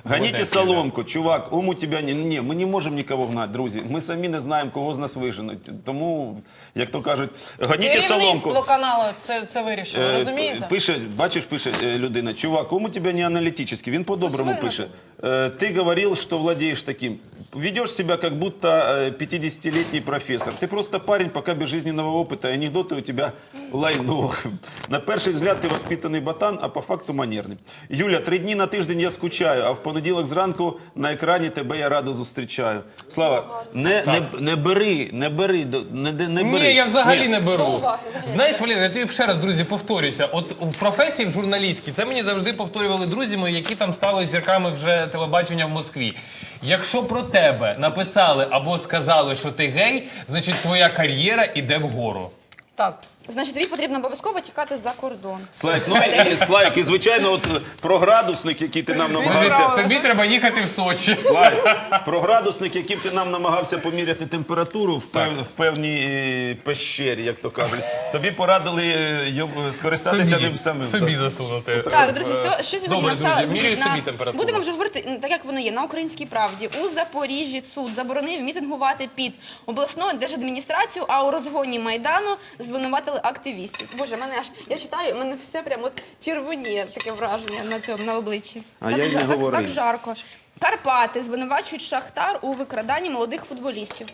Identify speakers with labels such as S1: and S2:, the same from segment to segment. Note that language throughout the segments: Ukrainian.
S1: Гоните соломку, чувак, ум у тебе не... Ні, ми не можемо нікого гнати, друзі. Ми самі не знаємо, кого з нас виженуть. Тому, як то кажуть, гоніть соломку.
S2: Керівництво каналу це вирішило, розумієте?
S1: Пише, бачиш, пише людина, чувак, ум у тебе не аналітичний, він по-доброму пише. Ти говорив, що владієш таким. Ведешь себя, как будто 50-летний профессор. Ты просто парень, пока без жизненного опыта, и анекдоты у тебя лайно. На перший взгляд ти воспитаний ботан, а по факту манерний. Юля, 3 дні на тиждень я скучаю, а в понеділок зранку на екрані тебе я радо зустрічаю. Слава, не бери.
S3: Ні, я взагалі не беру. Знаєш, Валерій, я тобі ще раз, друзі, повторюся. От в професії в журналістській, це мені завжди повторювали друзі мої, які там стали зірками вже телебачення в Москві. Якщо про тебе написали або сказали, що ти гей, значить твоя кар'єра іде вгору.
S2: Так.
S4: Значить, тобі потрібно обов'язково тікати за кордон.
S1: Слайк, і звичайно, от про градусник, який ти нам намагався...
S3: Тобі треба їхати в Сочі.
S1: Про градусник, яким ти нам намагався поміряти температуру в певній пещері, як то кажуть. Тобі порадили скористатися ним самим.
S3: Собі засунути.
S4: Так, друзі, що сьогодні
S3: Добре,
S4: написали?
S3: друзі, міряю собі температуру.
S4: Будемо вже говорити так, як воно є. На Українській правді. У Запоріжжі суд заборонив мітингувати під обласною держадміністрацією, а у розгоні Майдану звинуватили активістів. Боже, мене аж, я читаю, мене все прямо от червоніє, таке враження на обличчі.
S1: А я й не говорив.
S4: Так жарко. Карпати звинувачують Шахтар у викраданні молодих футболістів.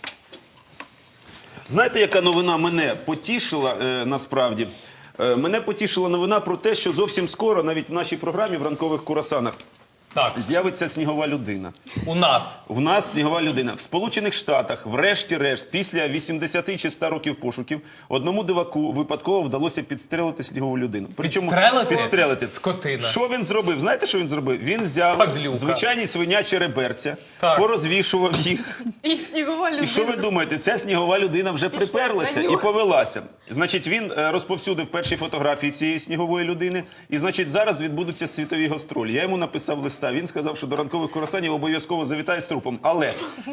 S1: Знаєте, яка новина мене потішила насправді? Мене потішила новина про те, що зовсім скоро, навіть в нашій програмі в ранкових курасанах,
S3: Так,
S1: з'явиться снігова людина.
S3: у нас.
S1: В нас снігова людина. В Сполучених Штатах, врешті-решт, після 80 чи 100 років пошуків, одному диваку випадково вдалося підстрелити снігову людину.
S3: Підстрелити?
S1: Підстрелити.
S3: Скотина.
S1: Що він зробив? Знаєте, що він зробив? Він взяв
S3: Падлюка.
S1: звичайні свинячі реберця,
S3: Так.
S1: порозвішував їх.
S2: І снігова людина.
S1: І що ви думаєте? Ця снігова людина вже приперлася і повелася. Значить, він розповсюдив перші фотографії цієї снігової людини. І, значить, зараз відбудуться світові гастролі. Я йому написав листа. Він сказав, що до ранкових курасанів обов'язково завітає з трупом. Але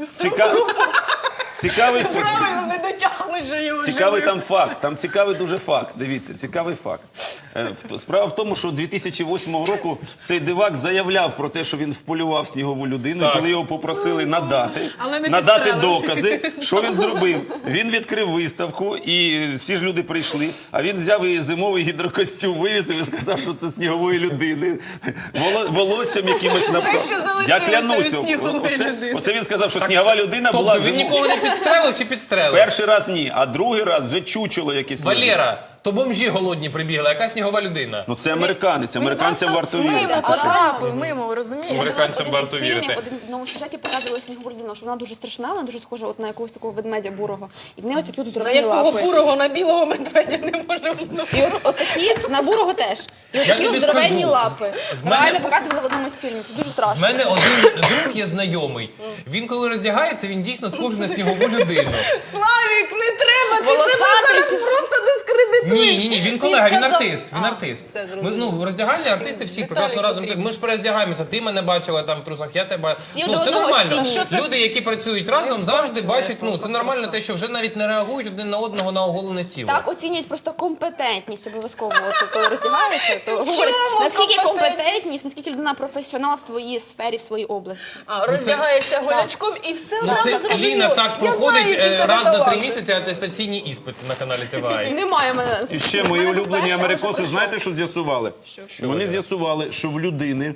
S1: цікавий
S2: Правильно, не дотягнуть же його
S1: цікавий
S2: живим.
S1: там факт, там цікавий дуже факт. Дивіться, цікавий факт. Справа в тому, що 2008 року цей дивак заявляв про те, що він вполював снігову людину, і коли його попросили надати докази, що він зробив? Він відкрив виставку, і всі ж люди прийшли, а він взяв і зимовий гідрокостюм вивісив і сказав, що це снігової людини. Волоссям якимось направ.
S2: Це, що залишилося
S1: Я
S2: від
S1: клянуся,
S2: снігової людини.
S1: оце він сказав, що снігова людина була
S3: Тобто він нікого не підстрелив чи підстрелив?
S1: Перший раз ні, а другий раз вже чучело якесь.
S3: Валера, то бомжі голодні прибігли, яка снігова людина?
S1: Ну це американець, американцям варто вірити.
S2: Мимо потрапив, мимо, ви розумієте?
S3: Американцям
S4: Один
S3: варто
S4: із фільмів,
S3: вірити.
S4: один в одному сюжеті показували снігову людину, що вона дуже страшна, вона дуже схожа от на якогось такого ведмедя бурого. І в неї такі от
S2: На
S4: здорові
S2: якого
S4: лапи.
S2: бурого на білого медведя не може взнути.
S4: І от такі, на бурого теж. І от
S3: Я
S4: такі
S3: тобі
S4: от здоровенні
S3: скажу,
S4: лапи.
S3: мене-
S4: Реально показували в одному з фільмів. Це дуже
S3: У
S4: страшно.
S3: мене один друг є знайомий. Він коли роздягається, він дійсно схожий на снігову людину.
S2: Славік, не треба, ти
S4: Волосатий
S2: себе зараз
S4: чи що?
S2: просто дискредитуєш.
S3: Ні, він колега, він
S2: сказав-
S3: артист. Він
S2: А,
S3: артист.
S2: все
S3: Ми,
S2: зрозуміло.
S3: в роздягальні артисти всі
S2: Деталі
S3: прекрасно разом.
S2: потрібні.
S3: Ми ж перездягаємося. Ти мене бачила там в трусах, я тебе.
S4: Всі
S3: Ну,
S4: до
S3: це
S4: одного
S3: нормально.
S4: оцінюють.
S3: Люди, які працюють разом, завжди
S2: бачу,
S3: бачать.
S2: я
S3: Ну це нормально, те, що вже навіть не реагують один на одного на оголене тіло.
S4: Так оцінюють просто компетентність обов'язково. От, коли роздягаються, то говорять,
S2: Чому
S4: наскільки
S2: компетентність?
S4: компетентність, наскільки людина професіонал в своїй сфері, в своїй області.
S2: А, роздягаєшся голячком і все
S3: Ну,
S2: одразу
S3: це
S2: зрозуміло.
S3: Ліна так
S2: Я
S3: проходить
S2: знаю, який тебе
S3: раз на 3
S2: талант.
S3: місяці атестаційні іспити на каналі ТВА.
S4: Немає мене.
S1: І ще
S4: в
S1: мої
S4: мене
S1: улюблені
S4: вперше,
S1: америкоси,
S4: але вже
S1: знаєте, що з'ясували? Вони з'ясували, що в людини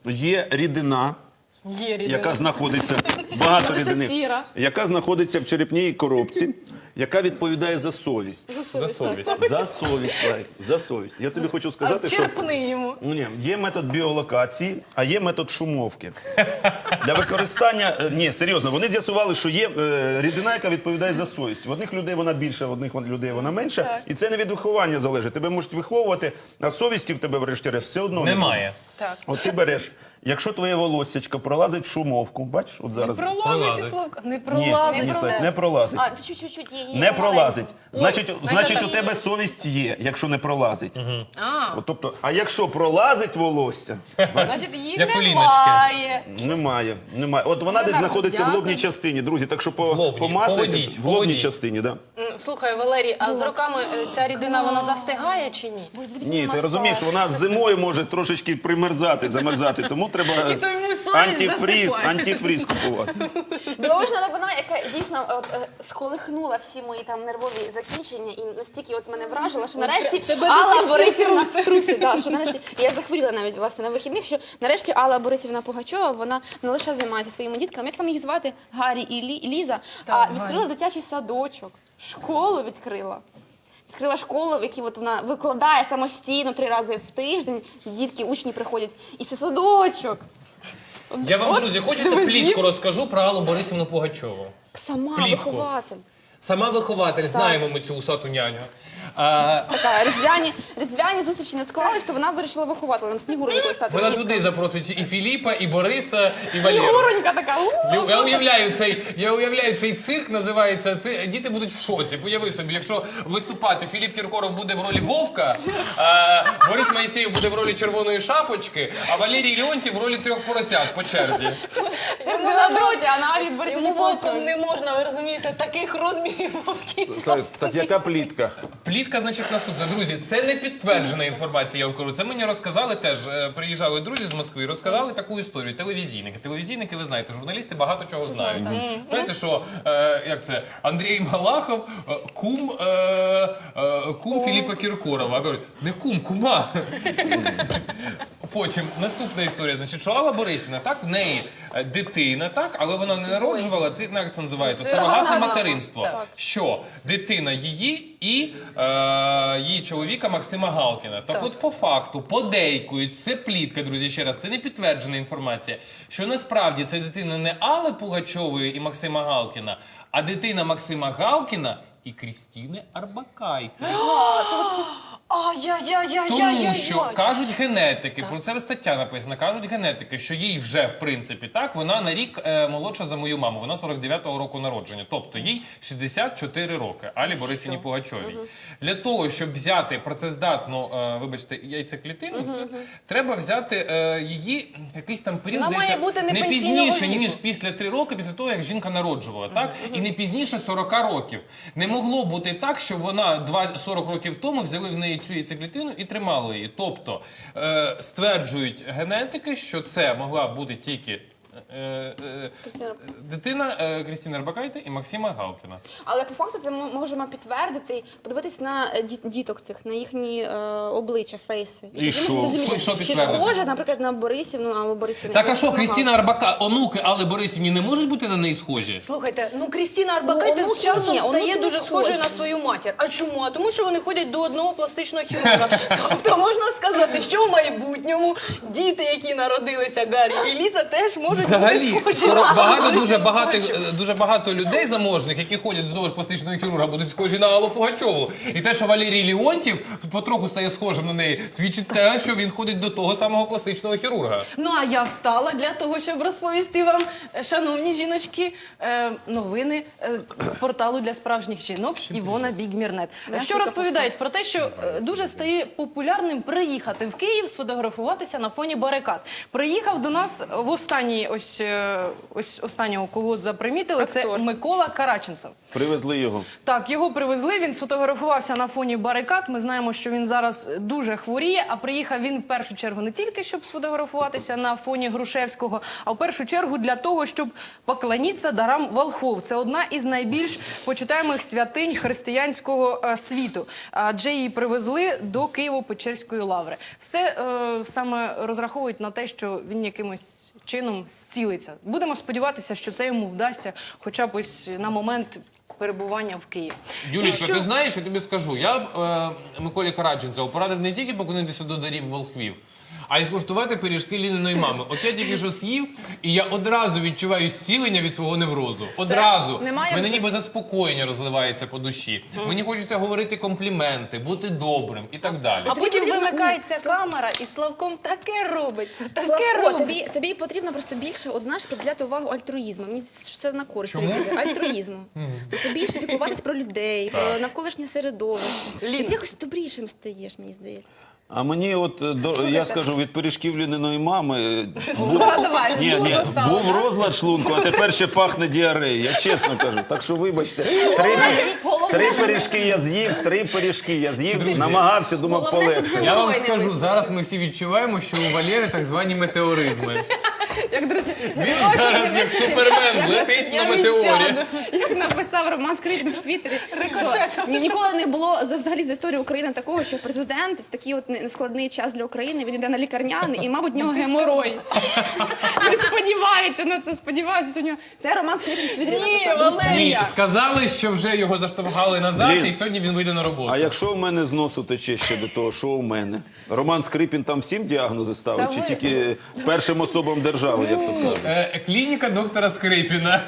S1: є рідина,
S2: Є рідина.
S1: яка знаходиться, багато
S4: Вона
S1: рідини,
S4: сіра.
S1: яка знаходиться в черепній коробці, яка відповідає за совість.
S3: За совість.
S1: За совість, Лайк, за совість. Я тобі хочу сказати, що...
S2: Черпни йому.
S1: Ні, є метод біолокації, а є метод шумовки. Для використання... Ні, серйозно, вони з'ясували, що є рідина, яка відповідає за совість. В одних людей вона більша, в одних людей вона менша. І це не від виховання залежить. Тебе можуть виховувати, а совісті в тебе, врешті-решт, все одно
S3: Немає.
S2: Так.
S1: От ти береш, якщо твоє волоссячко пролазить в шумовку, бачиш, от зараз...
S2: Пролазить,
S3: Пролазить.
S2: Славка, не
S1: Ні,
S2: пролазить.
S1: ні, Слайк, не пролазить.
S4: А, чуть-чуть є.
S1: Не пролазить. Значить,
S4: Значить,
S1: у тебе совість є, якщо не пролазить. От, тобто, а якщо пролазить волосся,
S4: Значить, її
S3: Як у Ліночки.
S4: немає.
S2: Є.
S1: Немає. От вона десь знаходиться в лобній частині, друзі, так що
S3: лобній.
S1: помацайте
S3: Поведіть,
S1: в лобній
S3: поведіть.
S1: частині, да.
S2: Слухай, Валерій, а з роками ця рідина, вона застигає чи ні?
S1: Ні, ти розумієш, вона зимою може трошечки примерзати, замерзати, тому треба антифріз купувати.
S4: Дивовижна новина, яка дійсно сколихнула всі мої там нервові закінчення і настільки от мене вражила, що нарешті
S2: тебе до
S4: Алла
S2: сих пір
S4: Борисівна труси, що нарешті я захворіла навіть власне на вихідних, що нарешті Алла Борисівна Пугачова, вона не лише займається своїми дітками, як там їх звати, Гаррі і Ліза, а відкрила дитячий садочок, школу відкрила. Відкрила школу, в якій от вона викладає самостійно 3 рази в тиждень, дітки, учні приходять, і це садочок.
S3: Я вам, друзі, хочете плітку розкажу про Аллу Борисівну Пугачову?
S4: Сама
S3: Плітку.
S4: вихователь.
S3: Сама вихователь, знаємо ми цю усату няню.
S4: Така, різдвяні зустрічі не склались, то вона вирішила вихователем Снігуренькою стати.
S3: Вона
S4: діткою.
S3: туди запросить і Філіпа, і Бориса, і Валеру.
S4: Снігуренька така.
S3: Я уявляю цей цирк, називається, діти будуть в шоці. Уяви собі, якщо виступати, Філіп Кіркоров буде в ролі Вовка, Борис Моїсеєв буде в ролі Червоної шапочки, а Валерій Леонтів в ролі 3 поросят по черзі.
S4: Це була друзі, а на Алі Борисівні
S2: Йому вовком
S4: Пугачовій.
S2: не можна, ви розумієте, таких розмірів вовків.
S1: Так яка плітка?
S3: Плітка, значить, наступна. Друзі, це не підтверджена інформація, я вам кажу. Це мені розказали теж, приїжджали друзі з Москви, розказали таку історію. Телевізійники, ви знаєте, журналісти багато чого знають. Знаєте, що, як це, Андрій Малахов, кум Філіпа Кіркорова. А кажуть, не кума. Потім наступна історія, значить, що Алла Борисівна, так, в неї дитина, так, але вона не народжувала, це як це називається, сурогатне материнство. Що дитина її і її чоловіка Максима Галкіна. Так от по факту, подейкують, це плітка, друзі, ще раз, це не підтверджена інформація, що насправді це дитина не Алли Пугачової і Максима Галкіна, а дитина Максима Галкіна і Крістіни Арбакайте. Тому що кажуть генетики, про це стаття написана, кажуть генетики, що їй вже, в принципі, так, вона на рік молодша за мою маму, вона 49-го року народження, тобто їй 64 роки, Алі Борисівні Пугачовій. Для того, щоб взяти працездатну, вибачте, яйцеклітину, треба взяти її якийсь там період,
S2: Вона має бути не
S3: не
S2: пенсійного
S3: пізніше,
S2: віку.
S3: ніж після 3 роки, після того, як жінка народжувала, так? І не пізніше 40 років. Не могло бути так, що вона 40 років тому взяли в неї цю яйцеклітину і тримали її. Тобто стверджують генетики, що це могла бути тільки дитина Крістіни Арбакайте і Максима Галкіна.
S4: Але по факту це ми можемо підтвердити, подивитись на діток цих, на їхні обличчя, фейси.
S1: І
S4: тоді
S1: що?
S4: ми зрозуміємо,
S3: Що
S4: чи
S3: підтвердити?
S4: схоже, наприклад, на Борисівну, Аллу Борисівну.
S3: Так а що, Крістіна Арбакайте, онуки Алли Борисівні не можуть бути на неї схожі?
S2: Слухайте, Крістіна Арбакайте
S4: Ну,
S2: з часом
S4: ні,
S2: стає
S4: онуки
S2: дуже
S4: не
S2: схожою
S4: схожі.
S2: на свою матір. А чому? А тому, що вони ходять до одного пластичного хірурга. Тобто можна сказати, що в майбутньому діти, які народилися, Гаррі і Ліза, теж можуть бути схожі на
S3: Дуже багато людей заможних, які ходять до того ж пластичного хірурга, будуть схожі на Аллу Пугачову. І те, що Валерій Леонтів потроху стає схожим на неї, свідчить те, що він ходить до того самого пластичного хірурга.
S2: Ну, а я встала для того, щоб розповісти вам, шановні жіночки, новини з порталу для справжніх жінок Івона Бігмірнет. Що розповідають про те, що дуже стає популярним приїхати в Київ, сфотографуватися на фоні барикад. Приїхав до нас в останній, ось останнього, кого запримітили, це
S4: Актор.
S2: Микола Караченцев.
S1: Привезли його.
S2: Так, його привезли, він сфотографувався на фоні барикад. Ми знаємо, що він зараз дуже хворіє, а приїхав він в першу чергу не тільки, щоб сфотографуватися на фоні Грушевського, а в першу чергу для того, щоб поклонитися дарам волхвов. Це одна із найбільш почитаємих святинь християнського світу. Адже її привезли до Києво-Печерської лаври. Все саме розраховують на те, що він якимось чином зцілиться. Будемо сподіватися, що це йому вдасться хоча б ось на момент перебування в Києві.
S3: Юлічка, ти знаєш, я тобі скажу, я б Миколі Караченцеву порадив не тільки поклонитися до дарів волхвів, а й скуштувати пиріжки Ліниної мами. От я тільки що з'їв, і я одразу відчуваю зцілення від свого неврозу. Одразу.
S4: Немає
S3: Мене
S4: вже-
S3: ніби заспокоєння розливається по душі. Мені хочеться говорити компліменти, бути добрим і так далі.
S2: А потім
S4: потрібно-
S2: вимикається камера, і Славком таке робиться, таке
S4: Славко,
S2: робиться.
S4: тобі потрібно просто більше, от знаєш, приділяти увагу альтруїзму. Мені здається, що це на користь
S3: Чому?
S4: тобі буде. Альтруїзму. Тобто більше піклуватись про людей, про навколишнє середовище.
S2: Ліна.
S4: Ти якось добрішим стаєш, мені здається.
S1: А мені от, я скажу, від пиріжків Ліниної мами
S4: Давай,
S1: ні,
S4: дурно стало,
S1: був
S4: да?
S1: розлад шлунку, а тепер ще пахне діареєю, я чесно кажу. Так що вибачте, три пиріжки я з'їв, намагався, думав,
S4: Головне, щоб
S1: полегше.
S3: Я вам
S4: Ой, не
S3: скажу,
S4: вистачить.
S3: зараз ми всі відчуваємо, що у Валери так звані метеоризми.
S4: Як, до речі,
S3: Він зараз як супермен летить на метеорі.
S4: Як написав Роман Скрипін в Твіттері, що ніколи не було взагалі за історію України такого, що президент в такий от нескладний час для України, він йде на лікарняний і, мабуть, в нього геморой. Він сподівається на це, сподівається, що у нього... Це Роман Скрипін в Твіттері написав.
S3: Ні, сказали, що вже його заштовхали назад,
S1: Блін.
S3: і сьогодні він вийде на роботу.
S1: А якщо в мене з носу тече ще до того, що у мене? Роман Скрипін там всім діагнози ставить, чи тільки першим особам держави, як то кажуть?
S3: Клініка доктора Скрипіна.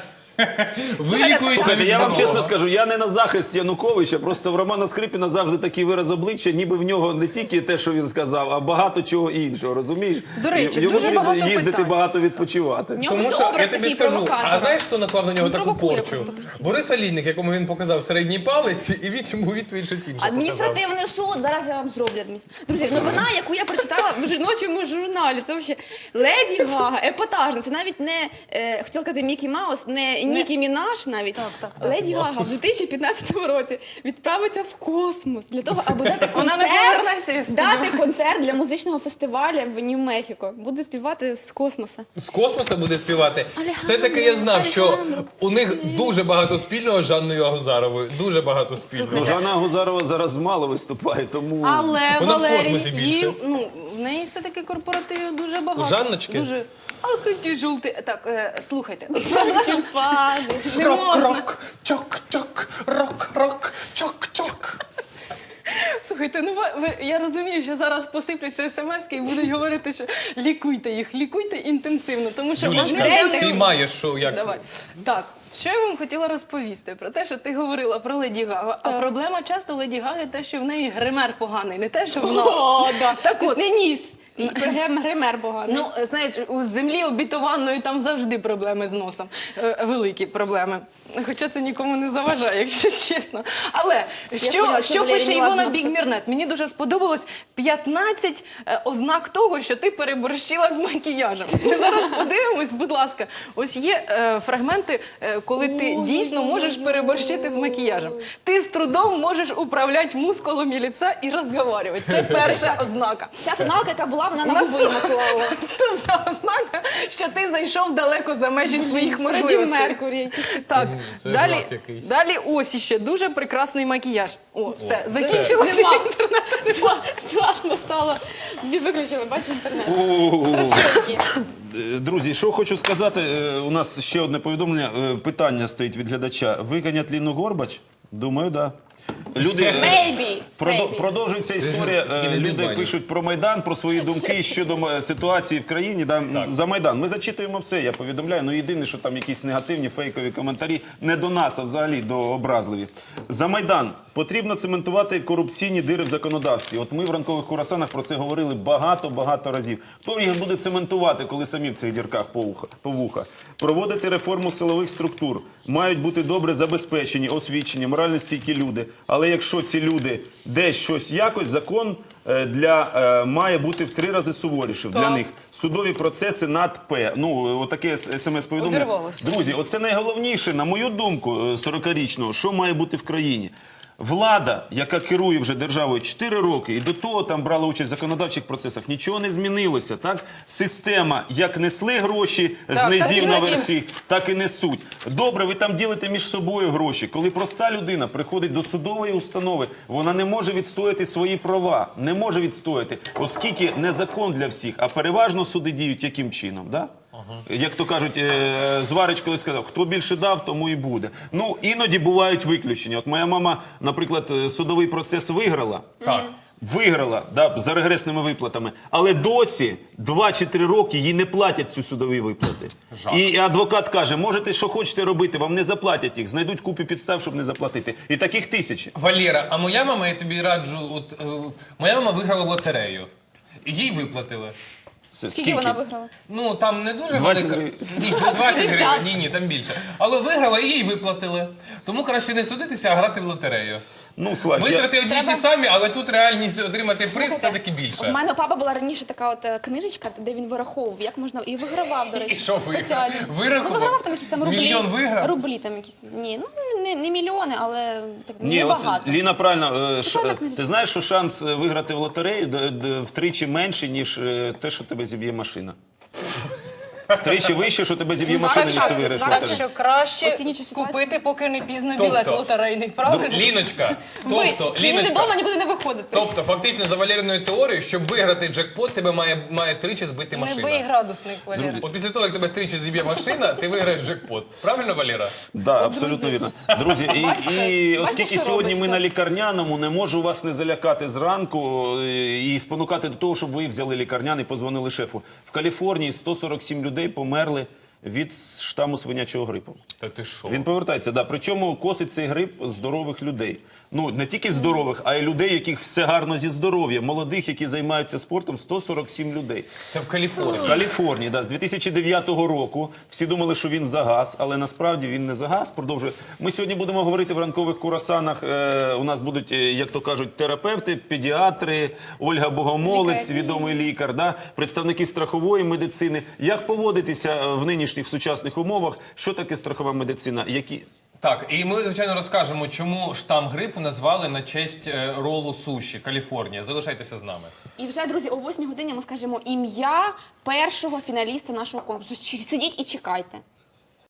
S3: Вилікують
S1: Слухайте, я вам
S3: здорового.
S1: чесно скажу, я не на захист Януковича, просто в Романа Скрипіна завжди такий вираз обличчя, ніби в нього не тільки те, що він сказав, а багато чого іншого, розумієш?
S2: До речі,
S1: Йому
S2: дуже
S1: треба
S2: багато
S1: їздити
S2: питань.
S1: багато відпочивати.
S4: В нього
S3: Тому
S4: просто
S3: що, я
S4: образ
S3: тобі
S4: такий
S3: скажу,
S4: провокатора.
S3: а знаєш, хто наклав на нього
S4: Він
S3: таку
S4: провокує
S3: порчу?
S4: просто постійно.
S3: Борис Олійник, якому він показав середній палець, і він йому відповідь щось інше показав.
S4: Адміністративний суд, зараз я вам зроблю Друзі, новина, яку я прочитала в жіночому журналі, це взагалі Леді Гага, епатажна, це навіть не, хотіла казати Мікі Маус, не Нікі Мінаш навіть. Леді Гага в 2015 році відправиться в космос для того, аби дати
S2: Вона не повернеться, я
S4: концерт,
S2: сподіваюся.
S4: дати концерт для музичного фестивалю в Нью-Мехіко. Буде співати з космоса.
S3: З космоса буде співати.
S4: Алехандро,
S3: Все-таки я знав, що
S4: Алехандро.
S3: у них дуже багато спільного з Жанною Агузаровою. Дуже багато спільного.
S1: Ну, Жанна Агузарова зараз мало виступає, тому...
S2: Але
S3: Вона в
S2: Валерій,
S3: космосі більше.
S2: їм, ну, в неї все-таки корпоративів дуже багато.
S3: У Жанночки?
S2: Дуже. Ах, які жовті. Так, слухайте.
S4: Тюльпани. Не можна.
S3: Рок-рок, чок-чок, рок-рок, чок-чок.
S2: Слухайте, ну я розумію, що зараз посипляться смс-ки і будуть говорити, що лікуйте інтенсивно, тому що
S3: Юлічка,
S2: одне
S3: ти маєш що, як?
S2: Давай. Так, що я вам хотіла розповісти про те, що ти говорила про Леді Гагу. А проблема часто Леді Гаги те, що в неї гример поганий, не те, що в нас.
S4: О, да.
S2: Так от,
S4: Не ніс. Гример поганий.
S2: ну, знаєте, у землі обітованої там завжди проблеми з носом. Великі проблеми. Хоча це нікому не заважає, якщо чесно. Але
S4: поняла,
S2: що
S4: що Валерій
S2: пише
S4: Меладзе
S2: Івона
S4: написав.
S2: Бігмірнет? Мені дуже сподобалось 15 ознак того, що ти переборщила з макіяжем. Ми зараз подивимось, будь ласка. Ось є фрагменти, коли ти дійсно можеш переборщити з макіяжем. Ти з трудом можеш управляти мускулами лиця і розговорювати. Це перша ознака.
S4: Ця тоналка, яка була, вона на губи наклала.
S2: Наступна ознака, що ти зайшов далеко за межі своїх
S4: Фредді
S2: можливостей.
S4: Меркурі.
S2: Так,
S3: Це
S2: далі,
S3: жах якийсь.
S2: далі ось іще дуже прекрасний макіяж. О, все, закінчилося.
S4: Нема. Страшно стало. Виключили, бачиш інтернет.
S1: О,
S4: Страшненькі.
S1: Друзі, що хочу сказати, у нас ще одне повідомлення, питання стоїть від глядача. Виганять Ліну Горбач? Думаю, так. Да. Люди,
S4: Maybe. Maybe.
S1: продовжується історія,
S3: Тільки не
S1: люди
S3: дбай.
S1: пишуть про Майдан, про свої думки щодо ситуації в країні, за Майдан. Ми зачитуємо все, я повідомляю, ну єдине, що там якісь негативні, фейкові коментарі, не до нас, а взагалі до образливі. За Майдан потрібно цементувати корупційні дири в законодавстві. От ми в ранкових курасанах про це говорили багато разів. Хто їх буде цементувати, коли самі в цих дірках по вуха? Проводити реформу силових структур. Мають бути добре забезпечені, освічені, морально стійкі люди. Але якщо ці люди десь щось якось, закон має бути в 3 рази суворішим для них. Судові процеси над П. Ну, отаке смс-повідомлення.
S2: Обірвалося.
S1: Друзі, оце найголовніше, на мою думку, 40-річного, що має бути в країні. Влада, яка керує вже державою 4 роки, і до того там брала участь в законодавчих процесах, нічого не змінилося, так? Система, як несли гроші з низів на верхи, так і несуть. Добре, ви там ділите між собою гроші. Коли проста людина приходить до судової установи, вона не може відстояти свої права, не може відстояти, оскільки не закон для всіх, а переважно суди діють яким чином, да? Як то кажуть, Зварич колись сказав, хто більше дав, тому і буде. Ну, іноді бувають виключення. От моя мама, наприклад, судовий процес виграла.
S3: Так.
S1: Виграла, да, за регресними виплатами, але досі 2 чи 3 роки їй не платять ці судові виплати.
S3: Жах.
S1: І адвокат каже, можете що хочете робити, вам не заплатять їх, знайдуть купу підстав, щоб не заплатити. І таких тисячі.
S3: Валера, а моя мама, я тобі раджу, моя мама виграла в лотерею. Їй виплатили.
S4: Скільки вона виграла?
S3: Ну, там не дуже
S1: 20
S3: велика.
S1: гривень.
S3: Ні, 20 гривень, ні, там більше. Але виграла і їй виплатили. Тому краще не судитися, а грати в лотерею.
S1: Ну, Слав,
S3: Витрати одні й ті самі, але тут реальність отримати приз все-таки
S4: У
S3: більше.
S4: мене у папа була раніше така от книжечка, де він вираховував, як можна, і вигравав, до речі.
S3: І що виграв?
S4: спеціально.
S3: Вирахував?
S4: Ну, вигравав там якісь там рублі.
S3: Мільйон виграв?
S4: Рублі там якісь. Ні, ну не мільйони, але так,
S1: Ні, от
S4: небагато.
S1: Ліна правильно.
S4: Спеціальна книжечка.
S1: Ти знаєш, що шанс виграти в лотерею втричі менший, ніж те, що тебе зіб'є машина. Втричі вище, що тебе зіб'є машина, ніж ти виграєш в
S2: Зараз
S1: лотерею.
S2: що краще
S4: Оцінюючи ситуацію.
S2: купити, поки не пізно
S3: Тобто,
S2: білет лотерейний, правильно?
S3: Ліночка,
S4: Ви
S3: тобто,
S4: сидіти
S3: Ліночка,
S4: вдома, нікуди не виходити.
S3: тобто, фактично, за Валериною теорією, щоб виграти джекпот, тебе має тричі збити
S2: Не бий
S3: машина.
S2: градусник, Валера.
S3: От після того, як тебе тричі зіб'є машина, ти виграєш джекпот. Правильно, Валера?
S1: Да, абсолютно вірно. Друзі, і
S4: Бачите,
S1: оскільки
S4: що
S1: сьогодні ми
S4: робиться?
S1: на лікарняному, не можу вас не залякати зранку і спонукати до того, щоб ви взяли лікарняний, позвонили шефу. В Каліфорнії 147 людей померли від штаму свинячого грипу.
S3: Та ти що?
S1: Він повертається, да. Причому косить цей грип здорових людей. Ну, не тільки здорових, а й людей, яких все гарно зі здоров'ям. Молодих, які займаються спортом, 147 людей.
S3: Це в Каліфорнії.
S1: В Каліфорнії, да, з 2009 року. Всі думали, що він загас, але насправді він не загас. Продовжує. Ми сьогодні будемо говорити в ранкових курасанах. У нас будуть, як то кажуть, терапевти, педіатри, Ольга Богомолець, відомий лікар, да, представники страхової медицини. Як поводитися в нинішніх, в сучасних умовах? Що таке страхова медицина? Які...
S3: Так, і ми, звичайно, розкажемо, чому штам грипу назвали на честь ролу суші Каліфорнія. Залишайтеся з нами.
S4: І вже, друзі, о 8 годині ми скажемо ім'я першого фіналіста нашого конкурсу. Сидіть і чекайте.